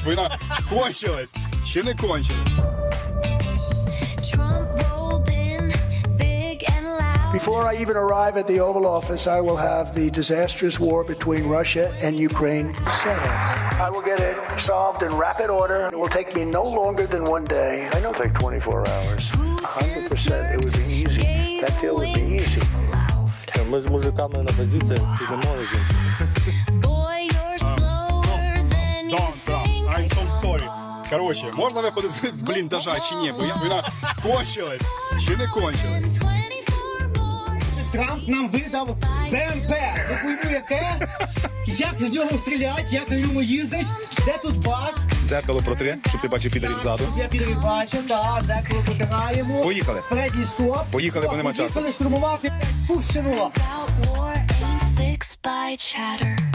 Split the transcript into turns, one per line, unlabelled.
бо вона кончилась. Ще не кончилась.
Before I even arrive at the Oval Office, I will have the disastrous war between Russia and Ukraine settled. I will get it solved in rapid order. It will take me no longer than 1 day. I don't take 24 hours. 100%. It would be easy. That deal would be easy.
Ми з мужиками на позиціях сидимо.
Don't trust. I'm so sorry. Короче, можна виходити з бліндажа чи ні? Бо вона кончилась. Ще не кончилась.
Трамп нам видав БМП. Ви хуйню яке? Як з нього стріляти, як на ньому їздить, де тут бак?
Дзеркало протри, щоб ти бачив підарів ззаду.
Я підрив бачив, так, дзеркало протираємо.
Поїхали.
Передній стоп.
Поїхали, бо нема часу.
Поїхали штурмувати Курщину.
War ain't fixed by chatter.